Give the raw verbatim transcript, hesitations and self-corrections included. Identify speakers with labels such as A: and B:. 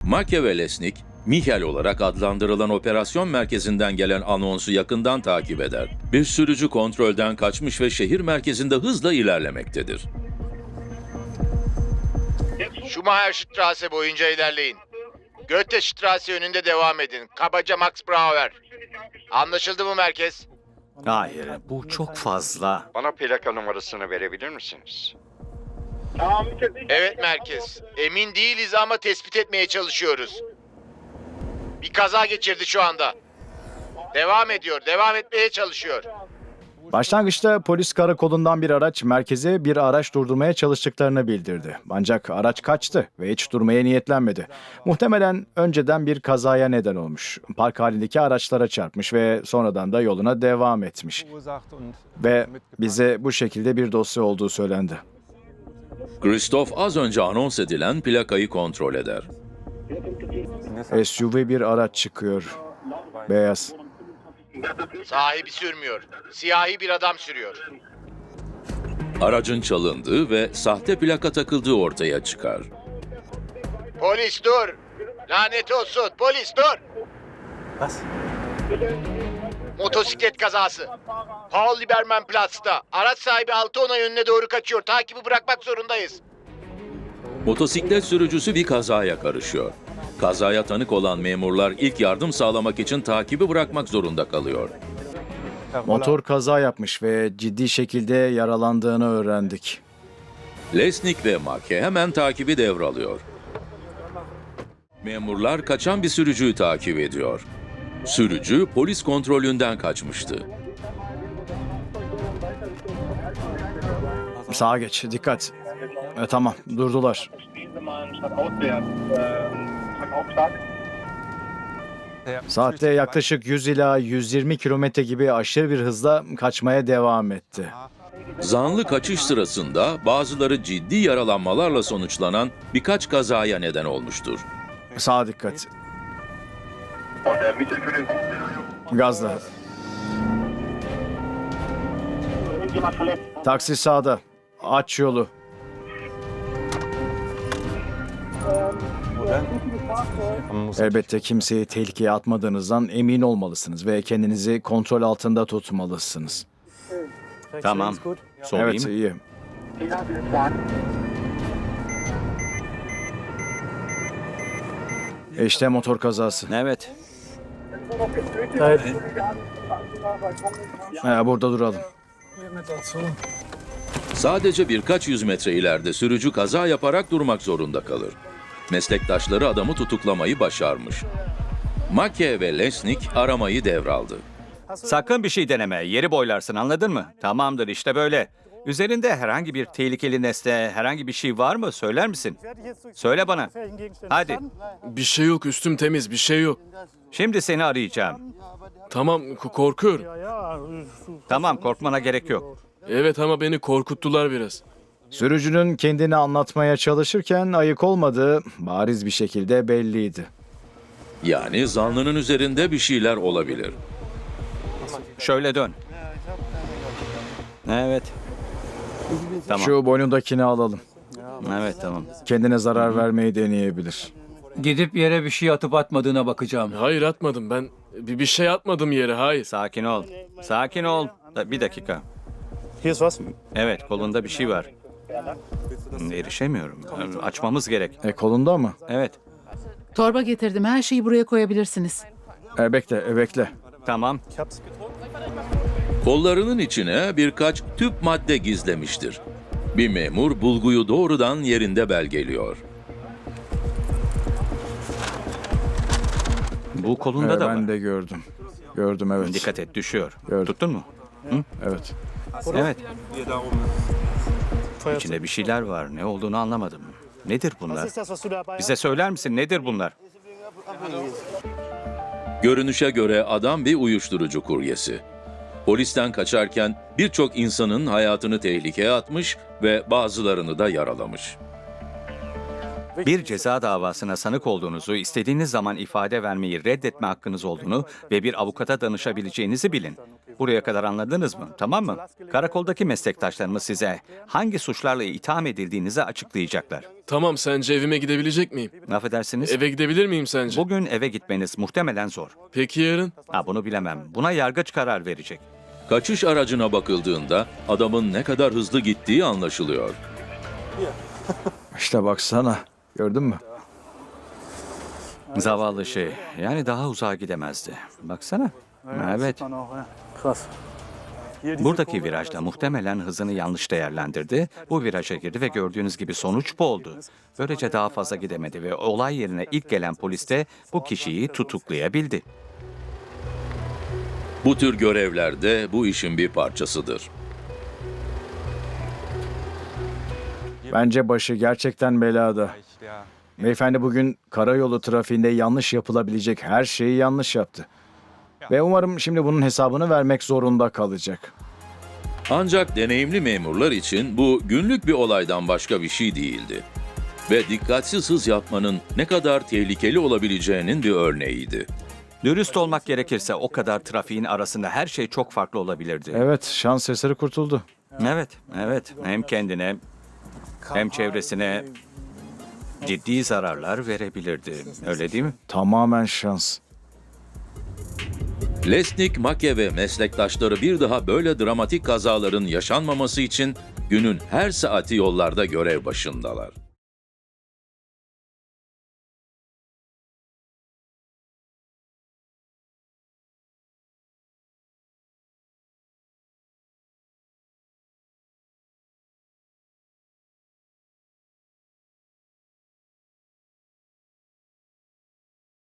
A: Make ve Lesnik, Michel olarak adlandırılan operasyon merkezinden gelen anonsu yakından takip eder. Bir sürücü kontrolden kaçmış ve şehir merkezinde hızla ilerlemektedir.
B: Schumacherstraße boyunca ilerleyin. Goethestraße yönünde devam edin. Kabaca Max Brauer. Anlaşıldı mı merkez?
C: Hayır, bu çok fazla.
D: Bana plaka numarasını verebilir misiniz?
B: Evet merkez. Emin değiliz ama tespit etmeye çalışıyoruz. Bir kaza geçirdi şu anda. Devam ediyor, devam etmeye çalışıyor.
E: Başlangıçta polis karakolundan bir araç merkeze bir araç durdurmaya çalıştıklarını bildirdi. Ancak araç kaçtı ve hiç durmaya niyetlenmedi. Muhtemelen önceden bir kazaya neden olmuş. Park halindeki araçlara çarpmış ve sonradan da yoluna devam etmiş. Ve bize bu şekilde bir dosya olduğu söylendi.
A: Christoph az önce anons edilen plakayı kontrol eder.
E: S U V bir araç çıkıyor. Beyaz.
B: Sahibi sürmüyor. Siyahi bir adam sürüyor.
A: Aracın çalındığı ve sahte plaka takıldığı ortaya çıkar.
B: Polis dur! Lanet olsun, polis dur! Motosiklet kazası. Paul Liberman Platz'ta. Araç sahibi Altona yönüne doğru kaçıyor. Takibi bırakmak zorundayız.
A: Motosiklet sürücüsü bir kazaya karışıyor. Kazaya tanık olan memurlar ilk yardım sağlamak için takibi bırakmak zorunda kalıyor.
E: Motor kaza yapmış ve ciddi şekilde yaralandığını öğrendik.
A: Lesnik ve Make hemen takibi devralıyor. Memurlar kaçan bir sürücüyü takip ediyor. Sürücü polis kontrolünden kaçmıştı.
E: Sağa geç, dikkat. E, tamam, durdular. Saatte yaklaşık yüz ila yüz yirmi kilometre gibi aşırı bir hızla kaçmaya devam etti.
A: Zanlı kaçış sırasında bazıları ciddi yaralanmalarla sonuçlanan birkaç kazaya neden olmuştur.
E: Sağa dikkat. Gazla. Taksi sağda. Aç yolu. Elbette kimseyi tehlikeye atmadığınızdan emin olmalısınız ve kendinizi kontrol altında tutmalısınız.
C: Tamam. Sorayım.
E: Evet, iyi. İşte motor kazası.
C: Evet.
E: Ha, burada duralım.
A: Sadece birkaç yüz metre ileride sürücü kaza yaparak durmak zorunda kalır. Meslektaşları adamı tutuklamayı başarmış. Make ve Lesnik aramayı devraldı.
C: Sakın bir şey deneme. Yeri boylarsın, anladın mı? Tamamdır, işte böyle. Üzerinde herhangi bir tehlikeli nesne, herhangi bir şey var mı? Söyler misin? Söyle bana. Hadi.
F: Bir şey yok, üstüm temiz, bir şey yok.
C: Şimdi seni arayacağım.
F: Tamam, k- korkuyorum.
C: Tamam, korkmana gerek yok.
F: Evet ama beni korkuttular biraz.
E: Sürücünün kendini anlatmaya çalışırken ayık olmadığı bariz bir şekilde belliydi.
A: Yani zanlının üzerinde bir şeyler olabilir.
C: Şöyle dön. Evet. Tamam.
E: Şu boynundakini alalım.
C: Evet, tamam.
E: Kendine zarar vermeyi deneyebilir.
G: Gidip yere bir şey atıp atmadığına bakacağım.
F: Hayır atmadım ben. Bir, bir şey atmadım yere, hayır.
C: Sakin ol. Sakin ol. Da- Bir dakika. Evet, kolunda bir şey var. Erişemiyorum. Açmamız gerek.
E: E kolunda mı?
C: Evet.
H: Torba getirdim. Her şeyi buraya koyabilirsiniz.
E: E bekle, e bekle.
C: Tamam.
A: Kollarının içine birkaç tüp madde gizlemiştir. Bir memur bulguyu doğrudan yerinde belgeliyor.
C: Bu kolunda
E: E,
C: da
E: ben
C: var.
E: de gördüm. Gördüm, evet.
C: Dikkat et, düşüyor.
E: Gördüm.
C: Tuttun mu?
E: Evet.
C: Evet. İçinde bir şeyler var. Ne olduğunu anlamadım. Nedir bunlar? Bize söyler misin? Nedir bunlar?
A: Görünüşe göre adam bir uyuşturucu kuryesi. Polisten kaçarken birçok insanın hayatını tehlikeye atmış ve bazılarını da yaralamış.
C: Bir ceza davasına sanık olduğunuzu, istediğiniz zaman ifade vermeyi reddetme hakkınız olduğunu ve bir avukata danışabileceğinizi bilin. Buraya kadar anladınız mı? Tamam mı? Karakoldaki meslektaşlarımız size hangi suçlarla itham edildiğinizi açıklayacaklar.
F: Tamam, sence evime gidebilecek miyim?
C: Affedersiniz.
F: Eve gidebilir miyim sence?
C: Bugün eve gitmeniz muhtemelen zor.
F: Peki yarın?
C: Ha, bunu bilemem. Buna yargıç karar verecek.
A: Kaçış aracına bakıldığında adamın ne kadar hızlı gittiği anlaşılıyor.
E: İşte baksana. Gördün mü?
C: Zavallı şey. Yani daha uzağa gidemezdi. Baksana. Evet. Buradaki virajda muhtemelen hızını yanlış değerlendirdi. Bu viraja girdi ve gördüğünüz gibi sonuç bu oldu. Böylece daha fazla gidemedi ve olay yerine ilk gelen polis de bu kişiyi tutuklayabildi.
A: Bu tür görevler de bu işin bir parçasıdır.
E: Bence başı gerçekten belada. Beyefendi bugün karayolu trafiğinde yanlış yapılabilecek her şeyi yanlış yaptı. Ve umarım şimdi bunun hesabını vermek zorunda kalacak.
A: Ancak deneyimli memurlar için bu günlük bir olaydan başka bir şey değildi. Ve dikkatsiz hız yapmanın ne kadar tehlikeli olabileceğinin bir örneğiydi.
C: Dürüst olmak gerekirse o kadar trafiğin arasında her şey çok farklı olabilirdi.
E: Evet, şans eseri kurtuldu.
C: Evet, evet. Hem kendine hem çevresine ciddi zararlar verebilirdi. Öyle değil mi?
E: Tamamen şans.
A: Lesnik, Mackey ve meslektaşları bir daha böyle dramatik kazaların yaşanmaması için günün her saati yollarda görev başındalar.